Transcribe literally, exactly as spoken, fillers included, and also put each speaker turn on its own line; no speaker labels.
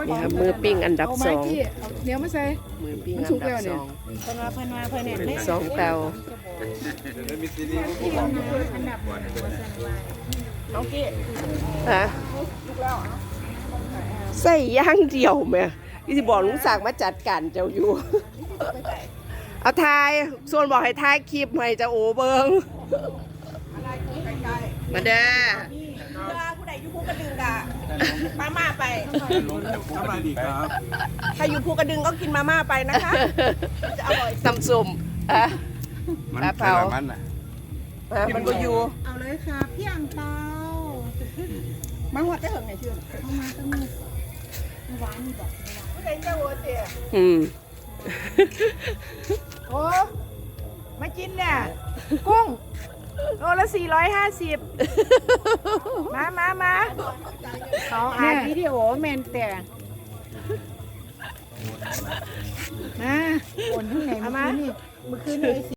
นี่ครับมือปิ้งอันดับสอง
เดี๋ยวมาใส่
มือปิ้งอันดับสอง
เพิ่นว่าเพิ่นว่าเพิ่นเนี่ย
หนึ่งสองเตา
น้องกี้
ฮะใส่ย่างเดียวแม่ที่จะบอกลุงศักดิ์มาจัดการเจ้าอยู่ เอาทายส่วนบอกให้ทายคลิปให้เจ้าโอเบิงมาเด้อ
เพื่อผู้ใดอยู่ภูกระดึงกะมาม่าไป
สบายดีครับ
ถ้าอยู่ภูกระดึงก็กินมาม่าไปนะคะจะอร่อย
ตำส้มอ่ะ
มัน
ปลาเผา
แต่ละมันน่ะ
อ่ะมันก็อยู่
เอาเลยค่ะพี่อังเปา
มาหัวจะเหิงไหนชื่อ
เอามาตั้งมือหวานนี่บอก
ผู้ใดเจ้าโอเตีย
อืม
โอ้มากินเนี่ยกุ้งโลละสี่ร้อยห้าสิบมามามาเขาอ่านวิดีโอแมนแต่
มาโอนที่ไหนเมื่อคืนนี่เมื่อคืนนี่